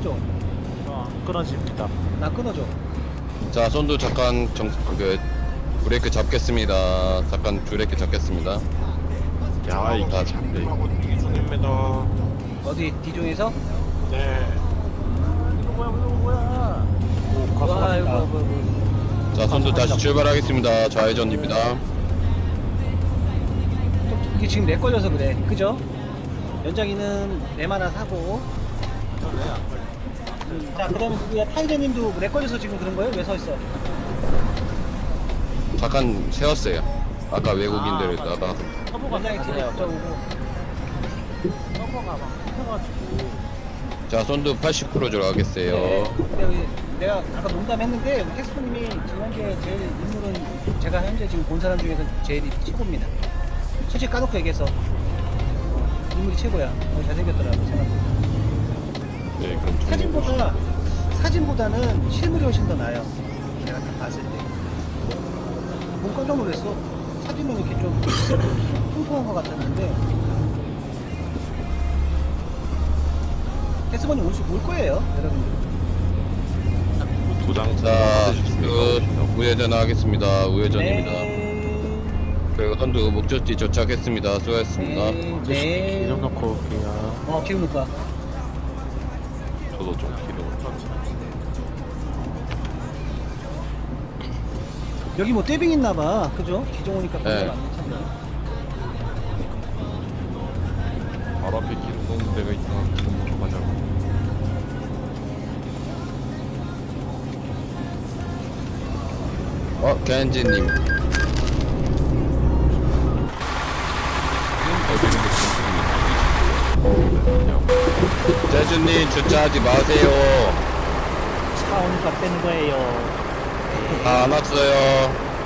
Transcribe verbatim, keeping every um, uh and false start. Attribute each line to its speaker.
Speaker 1: 끊어줘.
Speaker 2: 저안 끊어집니다.
Speaker 1: 나 끊어줘.
Speaker 3: 자, 손도 잠깐 정, 그 브레이크 잡겠습니다. 잠깐 브레이크 잡겠습니다.
Speaker 2: 야, 이게
Speaker 3: 자,
Speaker 2: 장비하고 대기 중입니다.
Speaker 1: 어디 뒤중에서?
Speaker 2: 네. 이거 뭐야, 이거 뭐야? 오,
Speaker 1: 와
Speaker 2: 가서
Speaker 1: 이거 뭐, 뭐.
Speaker 3: 자, 손도 다시 출발하겠습니다. 좌회전입니다.
Speaker 1: 또 이게 지금 렉 걸려서 그래. 그죠? 연장이는 램 하나 사고. 음, 자 그다음에 누구야? 타이저님도 렉 걸려서 지금 그런 거예요? 왜 서 있어?
Speaker 3: 잠깐 세웠어요. 아까 외국인들에다가.
Speaker 1: 연장이 뒤에 저오고.
Speaker 2: 서버가 막 끊어가지고.
Speaker 3: 자, 손도 팔십 퍼센트 들어가겠어요.
Speaker 1: 네. 근데 여기 내가 아까 농담했는데 캐스퍼님이 지금 현재 제일 인물은 제가 현재 지금 본 사람 중에서 제일 최고입니다. 솔직히 까놓고 얘기해서 인물이 최고야. 어, 잘생겼더라고 생각보다.
Speaker 2: 네, 그럼
Speaker 1: 사진보다 사진보다는 실물이 훨씬 더 나아요. 내가 딱 봤을 때. 너무 깜짝 놀랐어. 사진은 이렇게 좀 통통한 것 같았는데. 캐스퍼님 올, 수- 올 거예요, 여러분들.
Speaker 2: 도장
Speaker 3: 자, 그 우회전 하겠습니다. 우회전입니다.
Speaker 1: 네.
Speaker 3: 그리고 선두 목적지 도착했습니다. 수고하셨습니다.
Speaker 1: 네.
Speaker 2: 네. 기름
Speaker 1: 네.
Speaker 2: 넣고 올게요.
Speaker 1: 어, 기름 넣을까?
Speaker 2: 저도 좀 기름.
Speaker 1: 여기 뭐 떼빙 있나봐. 그죠? 기종 오니까
Speaker 3: 네.
Speaker 1: 굉장히 많네, 참.
Speaker 2: 바로 앞에 기름 넣는 데가 있나? 기름 넣으러 가자고.
Speaker 3: 어, 겐지님. 재준님 주차하지 마세요.
Speaker 2: 차 오니까 빼는 거예요.
Speaker 3: 다 안 왔어요.